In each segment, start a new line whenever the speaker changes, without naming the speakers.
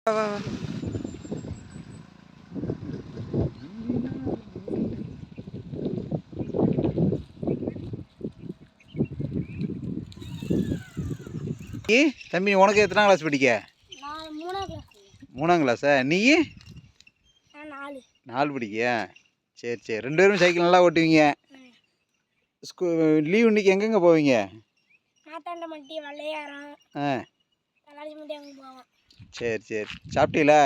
வா, வா, வா. தம்பி உனக்கு எத்தனாம் கிளாஸ் படிக்க?
நான் 3ஆம் கிளாஸ்.
3ஆம் கிளாஸா? நீ?
நான் 4.
4 படிக்கியா? சரி சரி, 2 பேரும் சைக்கிள் நல்லா ஓட்டுவீங்க. லீவ் இன்னைக்கு எங்கெங்கே போவீங்க?
நாத்தாண்டமட்டி, வள்ளையாரம்,
ஆ
தலாஜிமட்டி அங்கே போவோம்.
சரி சரி, சாப்பிட்டீங்களா?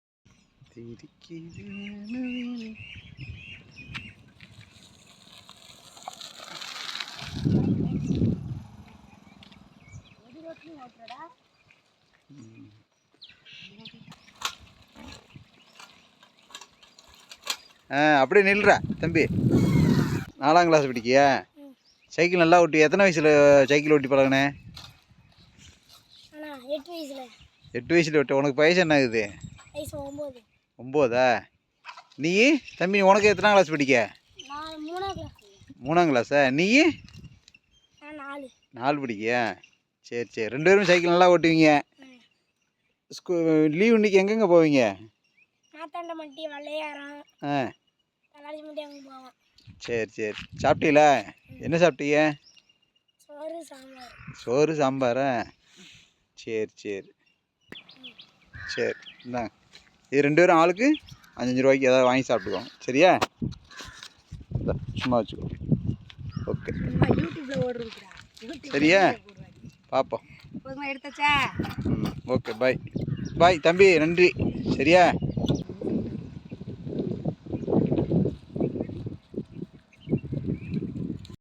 அப்படியே நில்றா தம்பி. 4ஆம் கிளாஸ் படிக்கியா? சைக்கிள் நல்லா ஓட்டி எத்தனை வயசில் சைக்கிள் ஓட்டி பழகுனே?
8 வயசுல.
8 வயசில் ஓட்ட. உனக்கு வயசு என்ன ஆகுது?
வயசு 9.
9ஆ? நீ தம்பி உனக்கு எத்தனாம் கிளாஸ் படிக்க?
நான் 3ஆம் கிளாஸ்.
3ஆம் கிளாஸா? நீ?
நான் 4.
4 படிக்கியா? சரி சரி, 2 பேரும் சைக்கிள் நல்லா ஓட்டுவீங்க. லீவ் இன்னைக்கு எங்கெங்கே போவீங்க?
நாத்தாண்டமட்டி, வள்ளையாரம்,
ஆ
தலாஜிமட்டி அங்கே போவோம்.
சரி சரி, சாப்பிட்டீங்களா? என்ன சாப்பிட்டீங்க?
சோறு, சாம்பார்.
சோறு சாம்பாரா? சரி சரி சரி, இந்தாங்க. இது 2 பேரும் ஆளுக்கு 5 ரூபாய்க்கு ஏதாவது வாங்கி சாப்பிட்டுக்கோங்க, சரியா? சும்மா வச்சுக்கோ. ஓகே,
யூடியூப்ல ஓடுறதுக்குடா.
சரியா? பார்ப்போம்.
எடுத்தாச்சா?
ஓகே, பாய் பாய் தம்பி, நன்றி, சரியா?